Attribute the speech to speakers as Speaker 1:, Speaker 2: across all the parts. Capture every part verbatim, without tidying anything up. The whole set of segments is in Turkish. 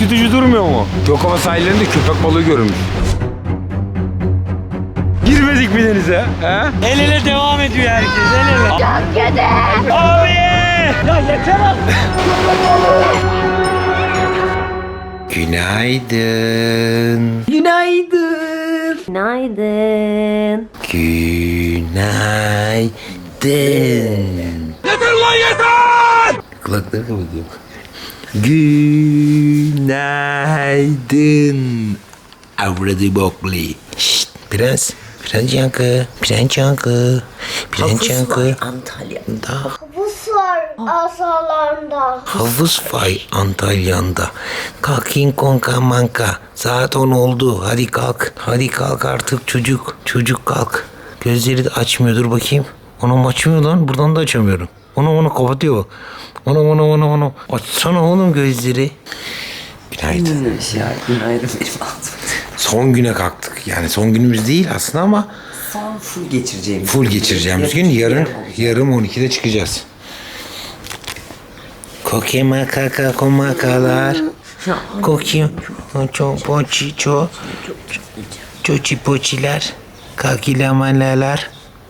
Speaker 1: ürkütücü durmuyor mu? Gökova sahillerinde köpek balığı görülmüş. Girmedik mi denize? He?
Speaker 2: El ele devam ediyor herkes. El ele.
Speaker 3: Çok kötü.
Speaker 2: Abi! Ya yeter artık.
Speaker 1: Günaydın.
Speaker 3: Günaydın. Günaydın.
Speaker 1: Günaydın. Yeter lan yeter! Kulakları kapatıyorum. Günaydın. Avradı bokli. Şşt prens. Prens yankı. Prens yankı. Prens yankı.
Speaker 3: Antalya'da.
Speaker 4: Havuz var asalarında.
Speaker 1: Havuz vay Antalya'nda. Kalk King Kong'a manka. Saat on oldu. Hadi kalk. Hadi kalk artık çocuk. Çocuk kalk. Gözleri de açmıyor. Dur bakayım. Onu açmıyor lan. Buradan da açamıyorum. Onu onu kapatıyor bak. Onu onu onu onu. Açsana oğlum gözleri. Günaydın.
Speaker 3: Ya günaydın benim ağzım.
Speaker 1: Son güne kalktık. Yani son günümüz değil aslında ama
Speaker 3: Son full geçireceğimiz.
Speaker 1: full geçireceğimiz gün yarın yarım on ikide çıkacağız. Koke makaka komakalar. Koki ço poçi ço çoçi poçiler. Kakilamalar.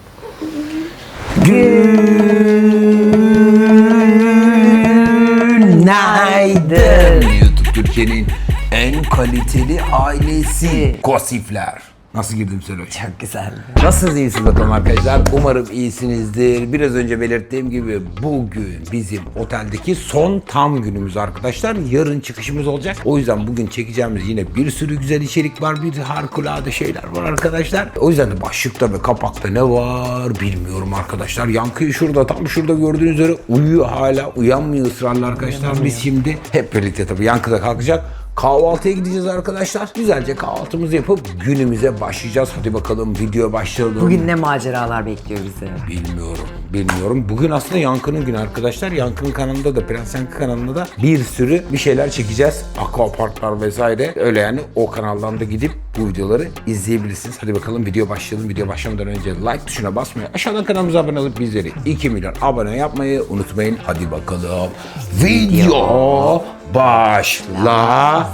Speaker 1: Günaydın. YouTube Türkiye'nin en kaliteli ailesi Kosifler. Nasıl girdim Seloş?
Speaker 3: Çok güzel.
Speaker 1: Nasılsınız, iyisiniz bakalım arkadaşlar? Umarım iyisinizdir. Biraz önce belirttiğim gibi bugün bizim oteldeki son tam günümüz arkadaşlar. Yarın çıkışımız olacak. O yüzden bugün çekeceğimiz yine bir sürü güzel içerik var. Bir harikulade şeyler var arkadaşlar. O yüzden de başlıkta ve kapakta ne var bilmiyorum arkadaşlar. Yankıyı şurada, tam şurada gördüğünüz üzere uyuyor hala. Uyanmıyor ısrarla arkadaşlar. Biz şimdi hep birlikte tabii Yankı'da kalkacak. Kahvaltıya gideceğiz arkadaşlar. Güzelce kahvaltımızı yapıp günümüze başlayacağız. Hadi bakalım video başlayalım.
Speaker 3: Bugün ne maceralar bekliyor bizi?
Speaker 1: Bilmiyorum, bilmiyorum. Bugün aslında Yankı'nın günü arkadaşlar. Yankı'nın kanalında da, Prens Yankı kanalında da bir sürü bir şeyler çekeceğiz. Aquaparklar vesaire. Öyle yani o kanaldan da gidip bu videoları izleyebilirsiniz. Hadi bakalım video başlayalım. Video başlamadan önce like tuşuna basmayı, aşağıdan kanalımıza abone olup bizleri iki milyon abone yapmayı unutmayın. Hadi bakalım. Video başla.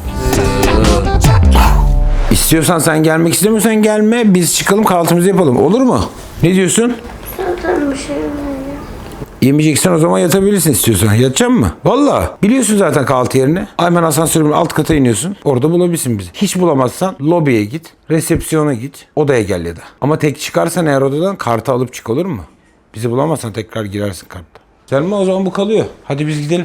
Speaker 1: İstiyorsan sen gelmek istemiyorsan gelme. Biz çıkalım kahvaltımızı yapalım. Olur mu? Ne diyorsun?
Speaker 4: Zaten bir şey mi?
Speaker 1: Yemeyeceksen o zaman yatabilirsin istiyorsan. Yatacak mı? Valla. Biliyorsun zaten kahvaltı yerini. Hemen asansörün alt kata iniyorsun. Orada bulabilirsin bizi. Hiç bulamazsan lobiye git. Resepsiyona git. Odaya gel ya da. Ama tek çıkarsan eğer odadan kartı alıp çık, olur mu? Bizi bulamazsan tekrar girersin kartta. Selma, o zaman bu kalıyor. Hadi biz gidelim.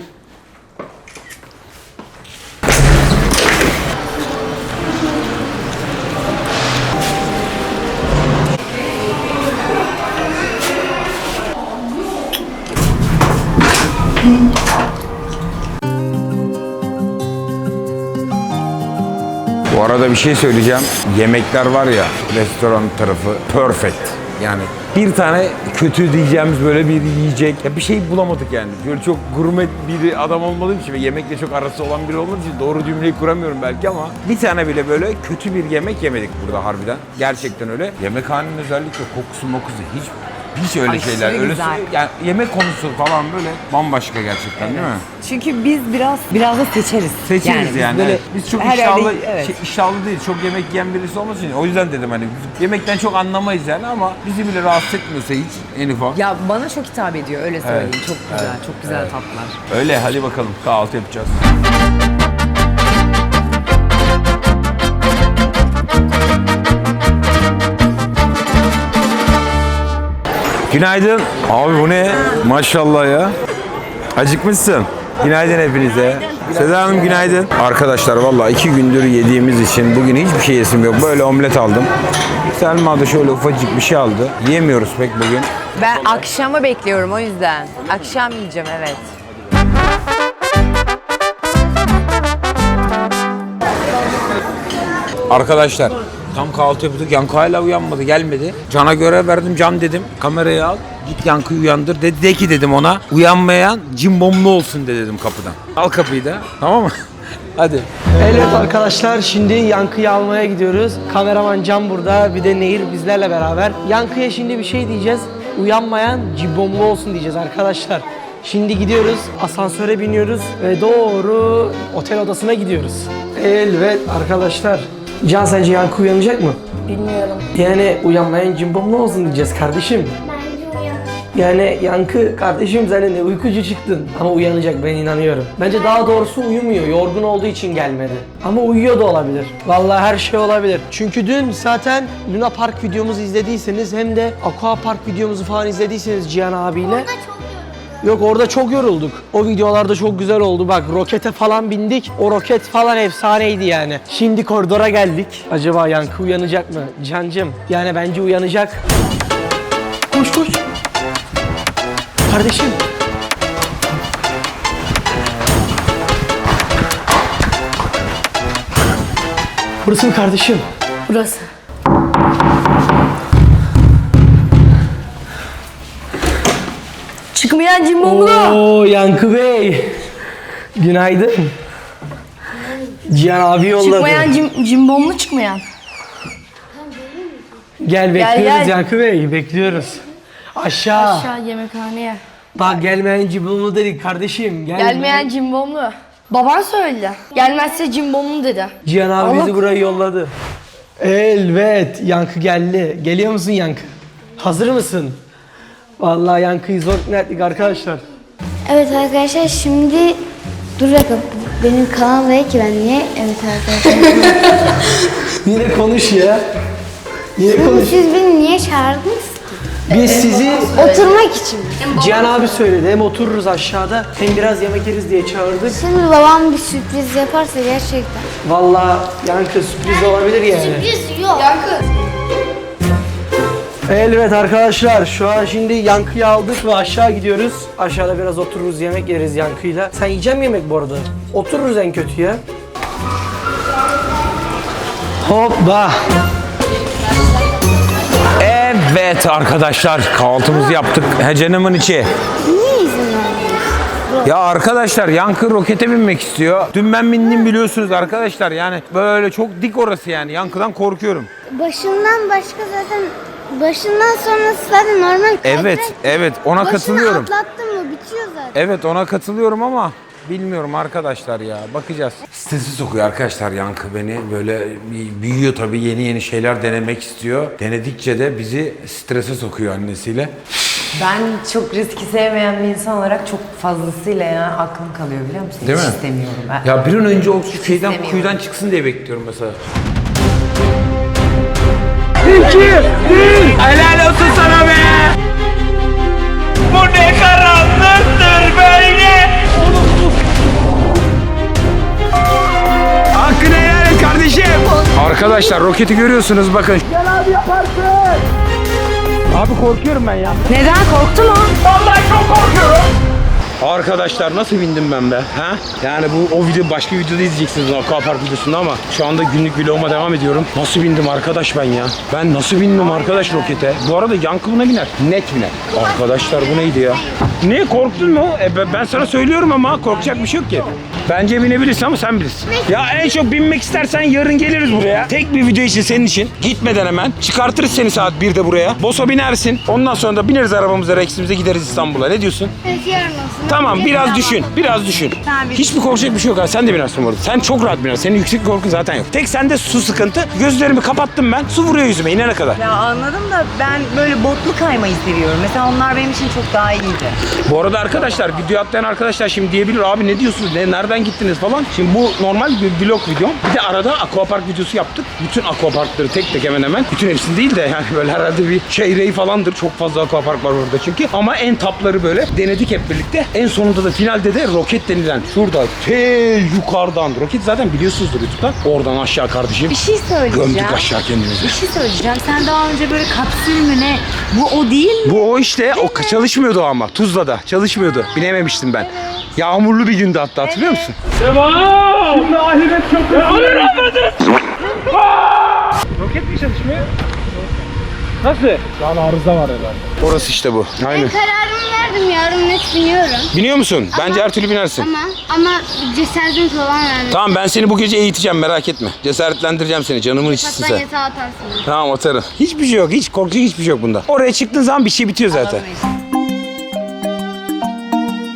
Speaker 1: Bu arada bir şey söyleyeceğim. Yemekler var ya, restoran tarafı perfect. Yani bir tane kötü diyeceğimiz böyle bir yiyecek. Ya bir şey bulamadık yani. Böyle çok gurme bir adam olmadığım için ve yemekle çok arası olan biri olmadığı için doğru cümleyi kuramıyorum belki ama bir tane bile böyle kötü bir yemek yemedik burada harbiden. Gerçekten öyle. Yemekhanenin özellikle kokusu mokusu hiç hiç öyle
Speaker 3: Aşırı
Speaker 1: şeyler. Öyle
Speaker 3: güzel.
Speaker 1: yani yemek konusu falan böyle bambaşka gerçekten, değil mi?
Speaker 3: Çünkü biz biraz biraz da seçeriz.
Speaker 1: Seçeriz
Speaker 3: biz
Speaker 1: yani.
Speaker 3: böyle
Speaker 1: Evet. Biz çok
Speaker 3: her
Speaker 1: iştahlı,
Speaker 3: yerde- evet.
Speaker 1: şey, iştahlı değil, çok yemek yiyen birisi olması için. O yüzden dedim hani biz yemekten çok anlamayız yani ama bizi bile rahatsız etmiyorsa hiç en ufak.
Speaker 3: Ya bana çok hitap ediyor öyle söyleyeyim.
Speaker 1: Evet.
Speaker 3: Çok güzel,
Speaker 1: Evet.
Speaker 3: çok güzel
Speaker 1: Evet.
Speaker 3: tatlar.
Speaker 1: Öyle, hadi bakalım kahvaltı yapacağız. Günaydın. Abi bu ne? Maşallah ya. Acıkmışsın. Günaydın hepinize. Seda Hanım günaydın. Arkadaşlar vallahi iki gündür yediğimiz için bugün hiçbir şey yesim yok. Böyle omlet aldım. Selma da şöyle ufacık bir şey aldı. Yiyemiyoruz pek bugün.
Speaker 5: Ben akşamı bekliyorum o yüzden. Akşam yiyeceğim, evet.
Speaker 1: Arkadaşlar tam kahvaltı yapıyorduk. Yankı hala uyanmadı, gelmedi. Can'a görev verdim. Can dedim, kamerayı al. Git Yankı'yı uyandır. Dedi de ki dedim ona, uyanmayan cimbomlu olsun de dedim kapıdan. Al kapıyı da, tamam mı? Hadi.
Speaker 6: Evet arkadaşlar, şimdi Yankı'yı almaya gidiyoruz. Kameraman Can burada, bir de Nehir bizlerle beraber. Yankı'ya şimdi bir şey diyeceğiz. Uyanmayan cimbomlu olsun diyeceğiz arkadaşlar. Şimdi gidiyoruz, asansöre biniyoruz ve doğru otel odasına gidiyoruz. Evet arkadaşlar. Can sence Yankı uyanacak mı?
Speaker 4: Bilmiyorum.
Speaker 6: Yani uyanmayan cimbom ne olsun diyeceğiz kardeşim.
Speaker 4: Bence uyan.
Speaker 6: Yani Yankı kardeşim sen de uykucu çıktın ama uyanacak, ben inanıyorum. Bence daha doğrusu uyumuyor, yorgun olduğu için gelmedi. Ama uyuyor da olabilir. Vallahi her şey olabilir. Çünkü dün zaten Luna Park videomuzu izlediyseniz hem de Aqua Park videomuzu falan izlediyseniz Cihan abiyle.
Speaker 4: Orada çok yoruldum.
Speaker 6: Yok orada çok yorulduk. O videolarda çok güzel oldu. Bak rokete falan bindik. O roket falan efsaneydi yani. Şimdi koridora geldik. Acaba Yankı uyanacak mı? Cancım yani bence uyanacak. Koş koş. Kardeşim. Burası mı kardeşim?
Speaker 4: Burası. Çıkmayan cimbomlu.
Speaker 6: Oo Yankı Bey. Günaydın. Cihan abi yolladı.
Speaker 4: Çıkmayan cim, cimbomlu çıkmayan.
Speaker 6: Gel bekliyoruz
Speaker 4: gel.
Speaker 6: Yankı Bey, bekliyoruz. Aşağı.
Speaker 4: Aşağı yemekhaneye.
Speaker 6: Bak gelmeyen cimbomlu dedik kardeşim. Gelme.
Speaker 4: Gelmeyen cimbomlu. Baban söyledi. Gelmezse cimbomlu dedi.
Speaker 6: Cihan abi
Speaker 4: Allah-
Speaker 6: bizi buraya yolladı. Evet, Yankı geldi. Geliyor musun Yankı? Hazır mısın? Vallahi Yankı'yı zor ikna ettik arkadaşlar.
Speaker 7: Evet arkadaşlar şimdi dur dakika benim kanal değil ki ben niye evet arkadaşlar.
Speaker 6: Yine konuş ya. Yine konuş.
Speaker 7: Siz beni niye çağırdınız?
Speaker 6: Biz sizi
Speaker 7: Oturmak için.
Speaker 6: Cihan abi söyledi. Hem otururuz aşağıda hem biraz yemek yeriz diye çağırdık.
Speaker 7: Şimdi babam bir sürpriz yaparsa gerçekten.
Speaker 6: Vallahi Yankı sürpriz olabilir yani.
Speaker 7: Sürpriz yok.
Speaker 6: Evet arkadaşlar şu an şimdi Yankı'yı aldık ve aşağı gidiyoruz. Aşağıda biraz otururuz, yemek yeriz Yankı'yla. Sen yiyecek misin yemek bu arada? Otururuz en kötü ya. Hoppa.
Speaker 1: Evet arkadaşlar kahvaltımızı yaptık. He canımın içi.
Speaker 7: Niye izin vermiyorsun?
Speaker 1: Ya arkadaşlar Yankı rokete binmek istiyor. Dün ben bindim biliyorsunuz arkadaşlar. Yani böyle çok dik orası yani. Yankı'dan korkuyorum.
Speaker 7: Başından başka zaten başından sonrası zaten normal.
Speaker 1: Evet,
Speaker 7: kaydırak.
Speaker 1: evet ona
Speaker 7: Başını
Speaker 1: katılıyorum.
Speaker 7: atlattın mı bitiyor zaten.
Speaker 1: Evet ona katılıyorum ama bilmiyorum arkadaşlar ya. Bakacağız. Stresi sokuyor arkadaşlar Yankı beni. Böyle büyüyor tabii, yeni yeni şeyler denemek istiyor. Denedikçe de bizi strese sokuyor annesiyle.
Speaker 3: Ben çok riski sevmeyen bir insan olarak çok fazlasıyla ya aklım kalıyor biliyor musun?
Speaker 1: Değil
Speaker 3: Hiç
Speaker 1: mi?
Speaker 3: istemiyorum ben.
Speaker 1: Ya bir an önce o şeyden
Speaker 3: istemiyorum.
Speaker 1: kuyudan çıksın diye bekliyorum mesela.
Speaker 6: İki, bir.
Speaker 2: Helal olsun sana be. Bu ne karanlıktır böyle.
Speaker 1: Hakkını helal et kardeşim. Arkadaşlar roketi görüyorsunuz bakın.
Speaker 6: Gel abi yaparsın. Abi korkuyorum ben ya.
Speaker 3: Neden korktun mu?
Speaker 2: Vallahi çok korkuyorum.
Speaker 1: Arkadaşlar nasıl bindim ben be? Ha? Yani bu o video başka videoda izleyeceksiniz o Aquapark videosunda ama şu anda günlük vloguma devam ediyorum. Nasıl bindim arkadaş ben ya? Ben nasıl bindim arkadaş rokete? Bu arada Yankı buna biner. Net biner. Arkadaşlar bu neydi ya? Ne korktun mu? E, ben- ben sana söylüyorum ama korkacak bir şey yok ki. Bence binebilirsin ama sen bilirsin. Ya en çok binmek istersen yarın geliriz buraya. Tek bir video için senin için. Gitmeden hemen. Çıkartırız seni saat birde buraya. Bosa binersin. Ondan sonra da bineriz arabamıza, Rex'imize gideriz İstanbul'a. Ne diyorsun?
Speaker 7: Evet yarın olsun.
Speaker 1: Tamam biraz düşün, biraz düşün. Hiçbir korkacak bir şey yok. Sen de binersin bu arada. Sen çok rahat binersin. Senin yüksek korkun zaten yok. Tek sende su sıkıntı. Gözlerimi kapattım ben. Su vuruyor yüzüme inene kadar.
Speaker 3: Ya anladım da ben böyle botlu kaymayı seviyorum. Mesela onlar benim için çok daha iyiydi.
Speaker 1: Bu arada arkadaşlar video atlayan arkadaşlar şimdi diyebilir abi ne diyorsunuz? Ne, nereden gittiniz falan. Şimdi bu normal bir vlog videom. Bir de arada Aquapark videosu yaptık. Bütün Aquaparkları tek tek hemen hemen. Bütün hepsini değil de yani böyle herhalde bir çeyreği falandır. Çok fazla Aquapark var orada çünkü. Ama en tapları böyle denedik hep birlikte. En sonunda da finalde de roket denilen şurada te yukarıdan. Roket zaten biliyorsunuzdur YouTube'dan. Oradan aşağı kardeşim.
Speaker 3: Bir şey söyleyeceğim.
Speaker 1: Gömdük aşağı kendimizi.
Speaker 3: Bir şey söyleyeceğim. Sen daha önce böyle kapsül mü ne? Bu o değil mi?
Speaker 1: Bu o işte. O çalışmıyordu ama. Tuzla'da çalışmıyordu. Binememiştim ben. Yağmurlu bir gündü hatta hatırlıyor musun?
Speaker 2: Devam. Şimdi ahiret çok kötü. Alır almadınız.
Speaker 1: Roket mi çalışmıyor?
Speaker 2: Nasıl? Şu an arıza var herhalde.
Speaker 1: Orası işte bu. Aynen.
Speaker 7: Ben kararımı verdim yarın net biniyorum.
Speaker 1: Biniyor musun? Bence her türlü binersin.
Speaker 7: Ama ama cesaretim falan verdim.
Speaker 1: Tamam ben seni bu gece eğiteceğim merak etme. Cesaretlendireceğim seni canımın içisin
Speaker 7: Hatta
Speaker 1: sen.
Speaker 7: yatağa atarsın.
Speaker 1: Tamam atarım. Hiçbir şey yok. Hiç korkacak hiçbir şey yok bunda. Oraya çıktığın zaman bir şey bitiyor zaten.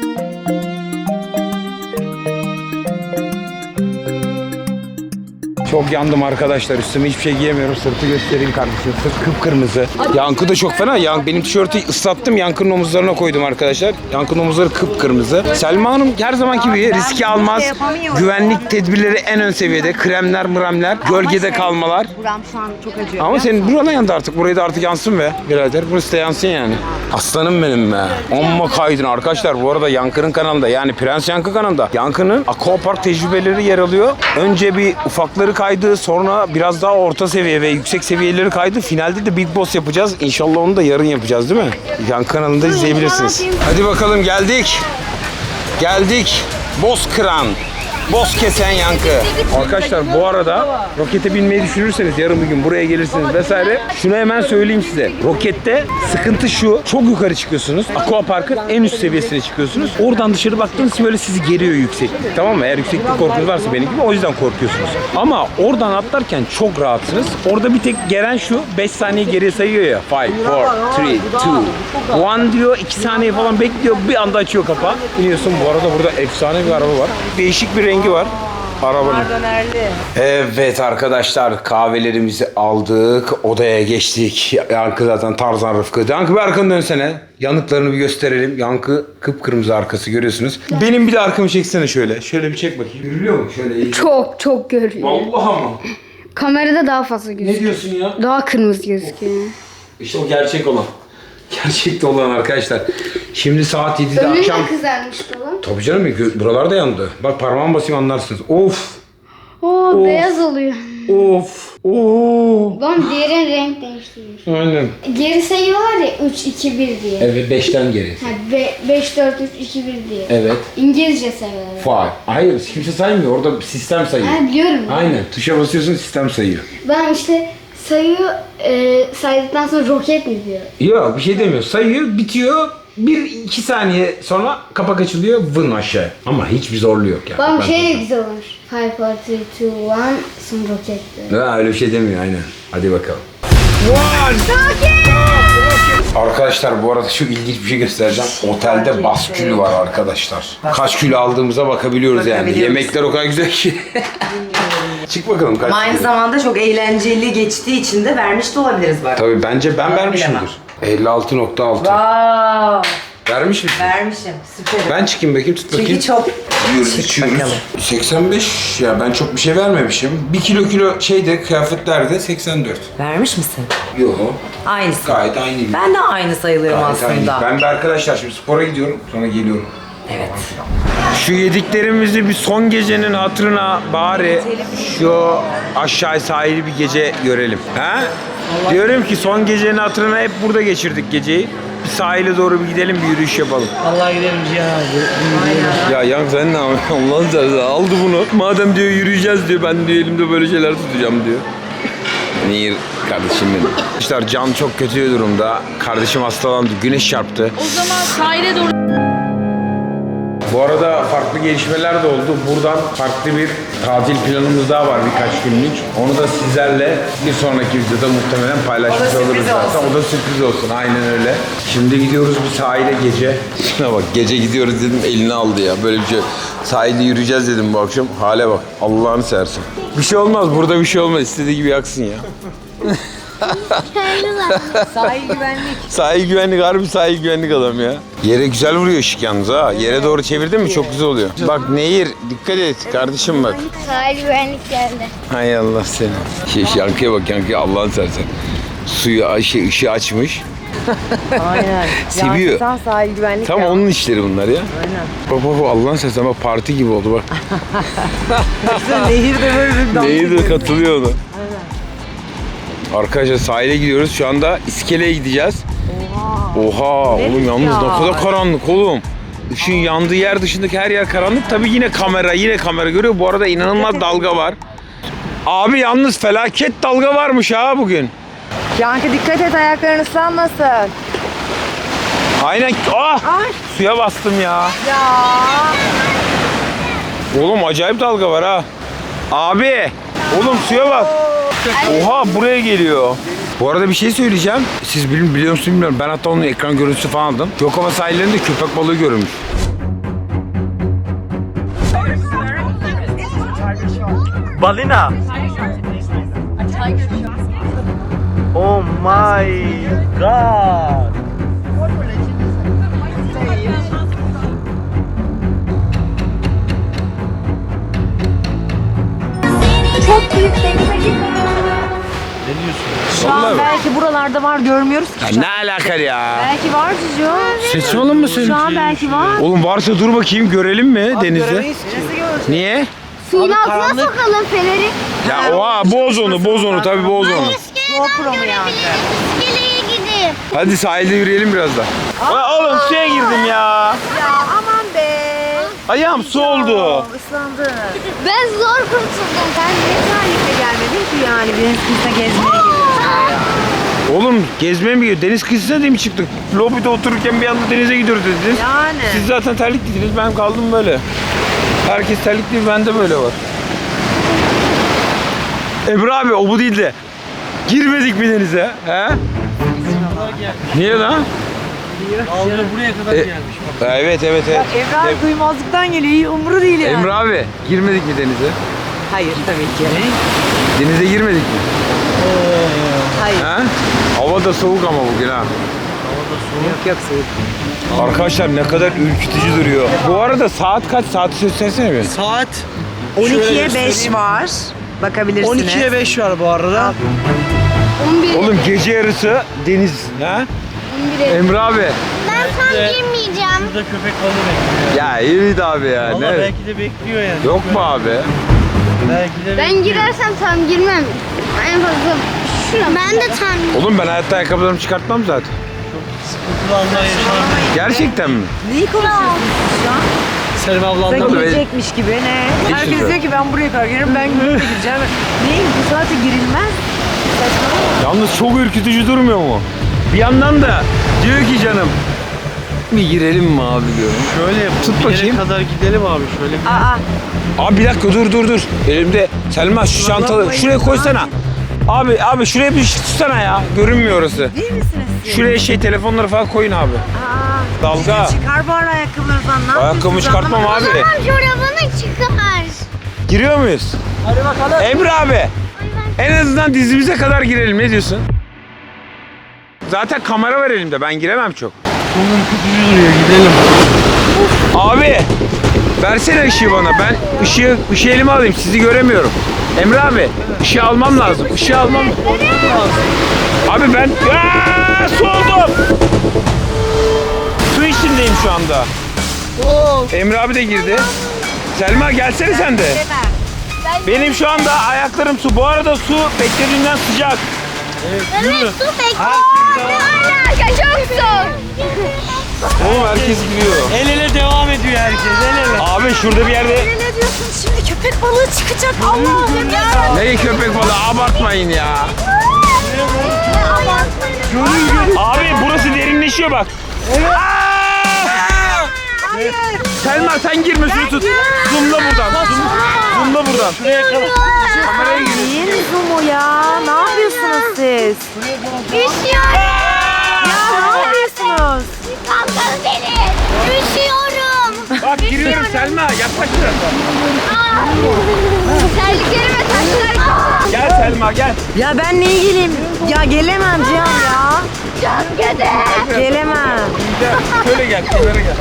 Speaker 1: Çok yandım arkadaşlar. Üstüme hiçbir şey giyemiyorum. Sırtı göstereyim kardeşim. Sırt kıpkırmızı. Yankı da çok fena. Yan, benim tişörtü ıslattım. Yankı'nın omuzlarına koydum arkadaşlar. Yankı'nın omuzları kıpkırmızı. Selma Hanım her zamanki gibi riski almaz. Güvenlik tedbirleri en ön seviyede. Kremler, mremler, gölgede kalmalar.
Speaker 5: Buram şu an çok acıyor.
Speaker 1: Ama senin buradan yandı artık. Burayı da artık yansın be birader. Burası da yansın yani. Aslanım benim be. Amma kaydın arkadaşlar. Bu arada Yankı'nın kanalında, yani Prens Yankı kanalında Yankı'nın aquapark tecrübeleri yer alıyor. Önce bir ufakları kaydı. Sonra biraz daha orta seviye ve yüksek seviyeleri kaydı. Finalde de Big Boss yapacağız. İnşallah onu da yarın yapacağız değil mi? Yankı kanalında izleyebilirsiniz. Hadi bakalım geldik. Geldik. Bozkıran. Boz kesen Yankı. Arkadaşlar bu arada rokete binmeyi düşünürseniz yarın bir gün buraya gelirsiniz vesaire. Şunu hemen söyleyeyim size. Rokette sıkıntı şu. Çok yukarı çıkıyorsunuz. Aquapark'ın en üst seviyesine çıkıyorsunuz. Oradan dışarı baktığınız böyle sizi geriyor yükseklik. Tamam mı? Eğer yükseklik korkunuz varsa benim gibi o yüzden korkuyorsunuz. Ama oradan atlarken çok rahatsınız. Orada bir tek gelen şu. beş saniye geriye sayıyor ya. beş, dört, üç, iki, bir diyor. iki saniye falan bekliyor. Bir anda açıyor kapağı. İniyorsun. Bu arada burada efsane bir araba var. Değişik bir rengi var arabanın. Evet arkadaşlar, kahvelerimizi aldık, odaya geçtik. Yankı zaten Tarzan Rıfkı. Yankı bir arkanı dönsene. Yanıklarını bir gösterelim. Yankı kıpkırmızı arkası görüyorsunuz. Benim bir de arkamı çeksene şöyle. Şöyle bir çek bakayım. Görülüyor mu? Şöyle iyi.
Speaker 4: Çok çok görüyor.
Speaker 1: Vallahi mı?
Speaker 4: Kamerada daha fazla gözüküyor.
Speaker 1: Ne diyorsun ya?
Speaker 4: Daha kırmızı gözüküyor.
Speaker 1: İşte o gerçek olan. Gerçekte olan arkadaşlar. Şimdi saat yedide
Speaker 4: Önün
Speaker 1: akşam.
Speaker 4: de kızarmış falan.
Speaker 1: Tabii canım, gö- buralar da yandı. Bak parmağımı basayım anlarsınız. Of.
Speaker 4: Oo beyaz oluyor.
Speaker 1: Of. Oo.
Speaker 4: Lan diğerin renk değiştiriyor.
Speaker 1: Aynen.
Speaker 4: Geri sayıyorlar ya üç, iki, bir diye.
Speaker 1: Evet, beşten geri.
Speaker 4: Ha, beş, dört, üç, iki, bir diye.
Speaker 1: Evet.
Speaker 4: İngilizce sayıyorlar.
Speaker 1: Five. Hayır, kimse saymıyor. Orada sistem sayıyor.
Speaker 4: Ha biliyorum.
Speaker 1: Aynen. Tuşa basıyorsun, sistem sayıyor.
Speaker 4: Ben işte sayıyor, e, saydıktan sonra roket mi diyor?
Speaker 1: Yok, bir şey demiyor. Sayıyor, bitiyor. Bir iki saniye sonra kapak açılıyor, vın aşağı. Ama hiçbir zorluğu yok yani.
Speaker 4: Bak
Speaker 1: Ben
Speaker 4: şey de
Speaker 1: sana-
Speaker 4: güzel olmuş. five, four, three, two, one, sonra roket diyor.
Speaker 1: Ha, öyle bir şey demiyor aynen. Hadi bakalım. Arkadaşlar bu arada şu ilginç bir şey göstereceğim. Otelde baskülü var arkadaşlar. Kaç kilo aldığımıza bakabiliyoruz yani.
Speaker 3: Bakabiliyoruz.
Speaker 1: Yemekler o kadar güzel ki. Çık bakalım kaç
Speaker 3: Ama aynı
Speaker 1: kilo.
Speaker 3: zamanda çok eğlenceli geçtiği için de vermiş de olabiliriz bak.
Speaker 1: Tabii bence ben
Speaker 3: Ben
Speaker 1: vermişimdir. elli altı nokta altı.
Speaker 3: Wow,
Speaker 1: Vermiş misin?
Speaker 3: vermişim. Süper.
Speaker 1: Ben çıkayım bakayım, tut bakayım.
Speaker 3: Çünkü çok
Speaker 1: Yiyoruz,
Speaker 3: Çık
Speaker 1: içiyoruz.
Speaker 3: bakalım.
Speaker 1: seksen beş ya, ben çok bir şey vermemişim. bir kilo kilo şeyde, kıyafetlerde seksen dört.
Speaker 3: vermiş misin?
Speaker 1: Yok.
Speaker 3: Aynısı.
Speaker 1: Gayet aynıyım.
Speaker 3: Ben de aynı sayılıyorum
Speaker 1: Gayet aynıyım.
Speaker 3: aslında.
Speaker 1: Ben de arkadaşlar şimdi spora gidiyorum, sonra geliyorum.
Speaker 3: Evet.
Speaker 1: Şu yediklerimizi bir son gecenin hatırına bari şu aşağı sahili bir gece görelim. Ha? Diyorum ki son gecenin hatırına hep burada geçirdik geceyi. Bir sahile doğru bir gidelim, bir yürüyüş yapalım.
Speaker 6: Vallahi gidelim Cihan abi.
Speaker 1: Ya Yank sen ne yapıyorsun? Allah'ın seversen aldı bunu. Madem diyor yürüyeceğiz diyor, ben diyor elimde böyle şeyler tutacağım diyor. Nehir kardeşim benim. Arkadaşlar Can çok kötü durumda. Kardeşim hastalandı, güneş çarptı.
Speaker 8: O zaman sahile doğru.
Speaker 1: Bu arada farklı gelişmeler de oldu. Buradan farklı bir tatil planımız daha var birkaç günlük. Onu da sizlerle bir sonraki videoda muhtemelen paylaşmış
Speaker 3: O da
Speaker 1: oluruz
Speaker 3: sürpriz
Speaker 1: zaten.
Speaker 3: olsun.
Speaker 1: O da sürpriz olsun. Aynen öyle. Şimdi gidiyoruz bir sahile gece. Şuna bak, gece gidiyoruz dedim, elini aldı ya. Böyle bir şey. Sahilde yürüyeceğiz dedim bu akşam. Hale bak. Allah'ını seversin. Bir şey olmaz. Burada bir şey olmaz. İstediği gibi yaksın ya.
Speaker 3: Sahil güvenlik.
Speaker 1: Sahil güvenlik, harbi sahil güvenlik adam ya. Yere güzel vuruyor ışık yalnız ha. Yere doğru çevirdin mi çok güzel oluyor. Bak Nehir, dikkat et kardeşim bak.
Speaker 7: Sahil güvenlik geldi.
Speaker 1: Hay Allah seni. Şey, şey, yankıya bak, yankıya Allah'ını seversen. Suyu, şey, ışığı açmış.
Speaker 3: Aynen.
Speaker 1: Seviyor.
Speaker 3: Yansıtan sahil güvenlik.
Speaker 1: Tam
Speaker 3: ya.
Speaker 1: onun işleri bunlar ya.
Speaker 3: Aynen.
Speaker 1: Bak bak bak, Allah'ını seversen bak, parti gibi oldu bak.
Speaker 3: Nehir de böyle bir dans
Speaker 1: Nehir de
Speaker 3: ediyor.
Speaker 1: katılıyor ona. Arkadaşlar sahile gidiyoruz. Şu anda iskeleye gideceğiz. Oha. Oha. Oğlum yalnız
Speaker 3: ya?
Speaker 1: ne kadar karanlık oğlum. Işığın yandığı yer dışındaki her yer karanlık. Tabii yine kamera, yine kamera görüyor. Bu arada inanılmaz dalga var. Abi yalnız felaket dalga varmış ha bugün.
Speaker 5: Yankı dikkat et, ayakların ıslanmasın.
Speaker 1: Aynen. Ah! Suya bastım ya.
Speaker 5: Ya.
Speaker 1: Oğlum acayip dalga var ha. Abi. Oğlum suya bak. Oha, buraya geliyor. Bu arada bir şey söyleyeceğim. Siz bil- biliyor musunuz bilmiyorum. Ben hatta onun ekran görüntüsü falan aldım. Gökova sahillerinde köpek balığı görülmüş.
Speaker 2: Balina. Oh my god.
Speaker 7: Çok büyük denize gitmem.
Speaker 2: Ne diyorsun?
Speaker 3: Şu an belki buralarda var, görmüyoruz ki.
Speaker 1: Ya ne alaka ya?
Speaker 3: Belki var Cicio.
Speaker 1: Saçmalama mı
Speaker 3: Şu an belki var.
Speaker 1: Oğlum varsa dur bakayım görelim mi denizi? Niye?
Speaker 7: Suyun altına sokalım feneri.
Speaker 1: Ya oha boz onu boz onu tabii boz onu.
Speaker 3: GoPro mu yani?
Speaker 7: İskeleye gidip.
Speaker 1: Hadi sahilde yürüyelim biraz da.
Speaker 2: Aa, oğlum suya girdim ya.
Speaker 3: Ya aman be.
Speaker 2: Ayağım su oldu.
Speaker 3: Islandı.
Speaker 7: Ben zor kurtuldum.
Speaker 3: Sen ne tarihte gelmedin ki yani? Deniz kıyısına gezmeye geliyorsun.
Speaker 1: Oğlum gezmeye mi gidiyor? Deniz kıyısına değil mi çıktık? Lobide otururken bir anda denize gidiyoruz dediniz.
Speaker 3: Yani.
Speaker 1: Siz zaten terlikliydiniz, ben kaldım böyle. Herkes terlikli, bende böyle var. Emre abi o bu değil de. Girmedik mi denize? He? Niye lan?
Speaker 2: Aldı buraya kadar
Speaker 1: E,
Speaker 2: gelmiş. Bak.
Speaker 1: Evet evet evet.
Speaker 3: Emre abi duymazlıktan geliyor. İyi umru değil yani.
Speaker 1: Emre abi girmedik mi denize?
Speaker 3: Hayır tabii ki.
Speaker 1: Denize girmedik mi?
Speaker 3: Hayır.
Speaker 1: He? Hava da soğuk ama bugün ha.
Speaker 3: Yok yok soğuk.
Speaker 1: Arkadaşlar ne kadar ürkütücü duruyor. Bu arada saat kaç? Saati göstersene bir.
Speaker 6: Saat
Speaker 3: on ikiye
Speaker 6: şöyle
Speaker 3: beş
Speaker 6: göstereyim.
Speaker 3: var. Bakabilirsiniz.
Speaker 6: on ikiye beş var bu arada.
Speaker 7: on bir.
Speaker 1: Oğlum gece yarısı deniz. Ha?
Speaker 7: on bire.
Speaker 1: Emre abi.
Speaker 7: Ben tam girmeyeceğim.
Speaker 2: Burada köpek balığı bekliyor.
Speaker 1: Ya iyi abi ya.
Speaker 2: Valla
Speaker 1: Ne?
Speaker 2: belki de bekliyor yani.
Speaker 1: Yok mu abi?
Speaker 2: Belki de
Speaker 7: Ben
Speaker 2: bekliyor.
Speaker 7: girersem tam girmem. En fazla şuna. Ben de tam.
Speaker 1: Oğlum ben hayatta ayakkabılarımı çıkartmam zaten.
Speaker 2: Sıkıntılı anlar yaşamayız.
Speaker 1: Gerçekten mi?
Speaker 3: Neyi konuşuyorsunuz şu an?
Speaker 6: Selim ablamla
Speaker 3: Sen
Speaker 1: Tabii.
Speaker 3: girecekmiş gibi ne? Herkes
Speaker 1: güzel.
Speaker 3: diyor ki ben buraya kadar girerim, ben gümrüğe gireceğim. Neyin bu saate girilmez?
Speaker 1: Yalnız çok ürkütücü durmuyor mu? Bir yandan da diyor ki canım bir girelim mi abi diyorum.
Speaker 2: Şöyle yapalım.
Speaker 1: Tut
Speaker 2: bir yere
Speaker 1: bakayım.
Speaker 2: kadar gidelim abi şöyle bir.
Speaker 3: Aa,
Speaker 1: Abi bir dakika dur dur dur. Elimde Selma şu çantalı şuraya koysana. Abi abi şuraya bir tutsana ya. Görünmüyor orası.
Speaker 3: değil misiniz siz?
Speaker 1: Şuraya şey telefonları falan koyun abi.
Speaker 3: Aa,
Speaker 1: Dalga.
Speaker 3: çıkar bari ayakkabılarınızdan. Ne
Speaker 1: Ayakkabımı
Speaker 3: yapıyorsunuz?
Speaker 1: çıkartmam
Speaker 3: Anlamadım.
Speaker 1: abi.
Speaker 7: Tamam çorabını çıkar.
Speaker 1: Giriyor muyuz?
Speaker 6: Hadi bakalım.
Speaker 1: Emre abi. En azından dizimize kadar girelim. Ne diyorsun? Zaten kamera var elimde. Ben giremem çok.
Speaker 2: Çok ürkütücü duruyor gidelim.
Speaker 1: Abi versene ışığı bana. Ben ışığı, ışığı elime alayım. Sizi göremiyorum. Emre abi ışığı almam lazım. Işığı almam lazım. Abi ben Aa, su oldum. Su içindeyim şu anda. Emre abi de girdi. Selma gelsene sen de. Benim şu anda ayaklarım su. Bu arada su beklediğimden sıcak.
Speaker 7: Evet su bekliyor. Ne alaka çok soğuk.
Speaker 1: Oğlum herkes giriyor.
Speaker 2: El ele devam ediyor herkes. El ele.
Speaker 1: Abi şurada bir yerde
Speaker 3: Ne diyorsun şimdi? Köpek balığı çıkacak. Allah'ım ya.
Speaker 1: ne köpek balığı abartmayın ya. Abi burası derinleşiyor bak. Aa! Selma sen girme şunu tut. Zoomla buradan. Zoom, zoomla buradan.
Speaker 2: Şuraya kadar.
Speaker 1: Kameraya gir.
Speaker 3: Yeni zoom'u ya. Ne yapıyorsunuz siz?
Speaker 7: Üşüyorum.
Speaker 3: Ya ne yapıyorsunuz?
Speaker 7: Kalkın beni. Üşüyorum.
Speaker 1: Bak giriyorum Selma yaklaş biraz.
Speaker 7: Terliklerime taşlar.
Speaker 1: Gel Selma gel.
Speaker 3: Ya ben niye geleyim? Ya gelemem Cihan ya.
Speaker 7: Çok kötü.
Speaker 3: Gelemem.
Speaker 1: Gel. Şöyle gel. Kenara gel.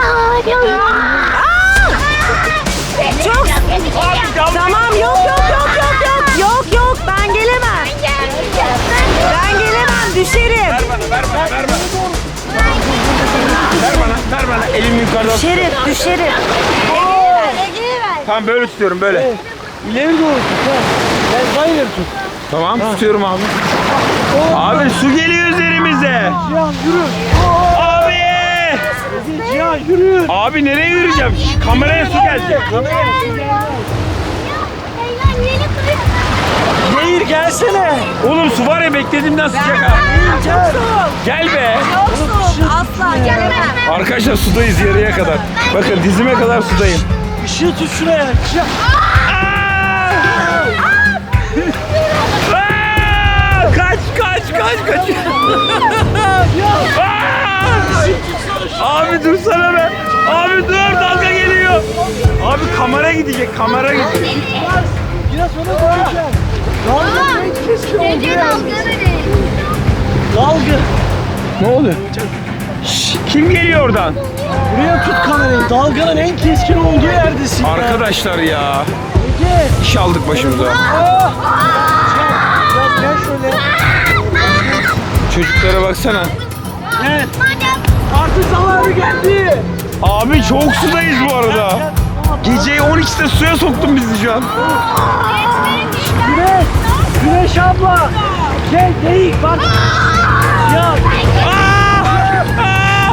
Speaker 7: Çok kötü geliyor.
Speaker 3: Tamam yok yok yok yok yok. Yok yok ben gelemem. Ben gelemem düşerim.
Speaker 1: Ver bana ver bana ver bana. Ver bana ver bana. Elimi yukarıdan tut.
Speaker 3: Düşerim düşerim.
Speaker 1: Tamam böyle tutuyorum böyle.
Speaker 2: İleri doğru tut. ha. Ben daha ileri tut.
Speaker 1: Tamam tutuyorum abi. Abi su geliyor üzerimize.
Speaker 2: Cihan yürü.
Speaker 1: Abi.
Speaker 2: Cihan yürü.
Speaker 1: Abi nereye yürüyeceğim? Şş, kameraya su gelecek.
Speaker 2: Nehir gelsene.
Speaker 1: Oğlum su var ya beklediğimden sıcak ha.
Speaker 2: Gel.
Speaker 1: Gel be.
Speaker 3: Çok soğuk asla gelemem.
Speaker 1: Arkadaşlar sudayız yarıya kadar. Bakın dizime kadar sudayım.
Speaker 2: Işığı tut şuraya. Cihan.
Speaker 1: Aa! Kaç kaç kaç kaç. Aa! Abi dursana be. Abi dur dalga geliyor. Abi kamera gidecek kamera gidecek.
Speaker 2: Biraz sonra göreceğim. Dalganın en keskin olduğu yerdesin. Dalga. Ne oluyor? Şşş, kim geliyor oradan? Buraya tut kamerayı. Dalganın en keskin olduğu yerdesin.
Speaker 8: Arkadaşlar ya.
Speaker 2: Ege.
Speaker 8: İş aldık başımıza.
Speaker 2: Aa! Biraz gel şöyle.
Speaker 8: Çocuklara baksana.
Speaker 2: Evet. Artık zamanı geldi.
Speaker 8: Abi çok sudayız bu arada. Gece on ikide suya soktun bizi şu an.
Speaker 2: Güneş. Güneş abla. Gel geyik bak. Ya.
Speaker 8: Aa! Aa!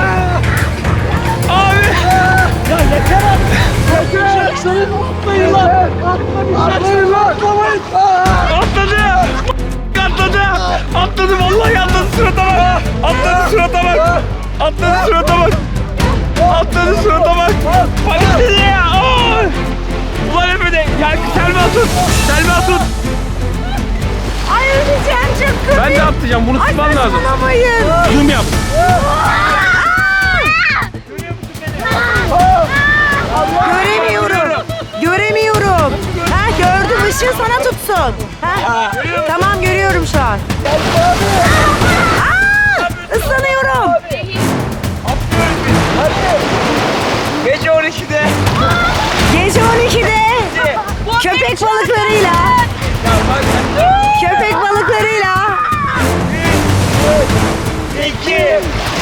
Speaker 8: Abi!
Speaker 2: Ya yeter artık. Yeter. Seni tutmayın lan. Atmayın lan. Atmayın.
Speaker 8: Atladı! Atladı! Atladı vallahi atladı surata bak! Atladı surata bak! Atladı surata bak! Atladı surata bak! Panikledi ya! Aa! Ulan Efe'de! Gel Selma tut! Selma tut!
Speaker 3: Ay öleceğim çok kötü.
Speaker 8: Ben de atlayacağım bunu tutman lazım.
Speaker 3: Saçmalamayın.
Speaker 8: Zoom yap.
Speaker 3: Göremiyorum. Göremiyorum. Ha gördüm, ışığı sana tutsun. Ha? Tamam görüyorum şu an. Aa! Islanıyorum.
Speaker 8: Gece on ikide.
Speaker 3: Gece on ikide köpek balıklarıyla köpek balıklarıyla
Speaker 8: İki.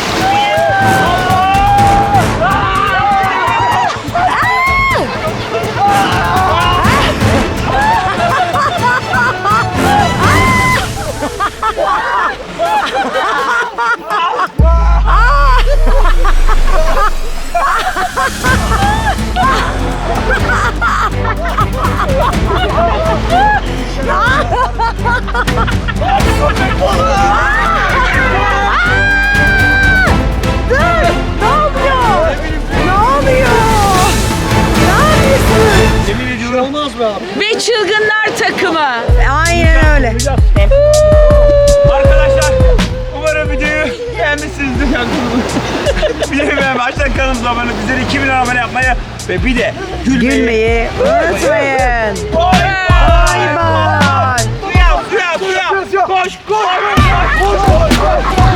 Speaker 3: Dur! Ne oluyor? Ne oluyor? Ne yapıyorsun?
Speaker 2: Yemin ediyorum. Olmaz be abi.
Speaker 5: Ve çılgınlar takımı.
Speaker 3: Aynen öyle.
Speaker 8: Arkadaşlar umarım videoyu beğenmişsinizdir. Videoyu beğenmeyi, aşağıdan kanalımıza abone olmayı, bizleri iki bin abone yapmayı ve bir de gülmeyi.
Speaker 3: Gülmeyi unutmayın.
Speaker 8: Bay
Speaker 3: Bay bay.
Speaker 8: Suya, suya, suya. Koş, koş. Koş, koş, koş.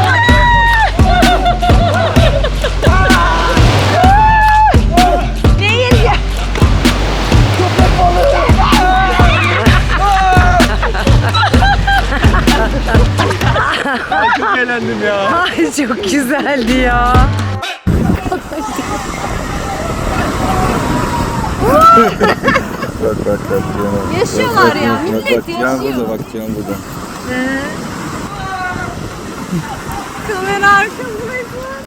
Speaker 3: Değil ya.
Speaker 8: Çok eğlendim ya.
Speaker 3: Ay çok güzeldi ya.
Speaker 9: Bak bak bak Cihan'a.
Speaker 3: Yaşıyorlar ya, millet
Speaker 9: bak, Cihan burada bak Cihan burada.
Speaker 3: Kamera arkasındaydı.